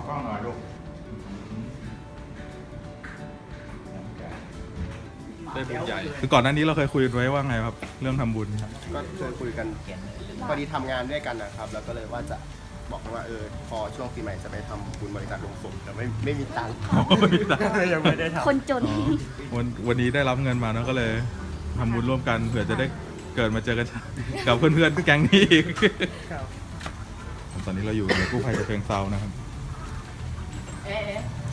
กล้องหน่อยลูกได้บุญใหญ่คือก่อนหน้านี้เราเคยคุยกันไว้ว่าไงครับ เรื่องทำบุญครับก็เคยคุยกันพอดีทำงานด้วยกันนะครับ แล้วก็เลยว่าจะบอกว่าพอช่วงปีใหม่จะไปทำบุญบริจาคโลงศพแต่ไม่มีตังค์ยังไม่ได้ทำคนจนอ๋อวันนี้ได้รับเงินมาแล้วก็เลยทำบุญร่วมกันเผื่อจะได้เกิดมาเจอกันกับเพื่อนๆแก๊งนี้อีกตอนนี้เราอยู่ในกู้ภัยกระเชิงเซานะครับเอ๊ะ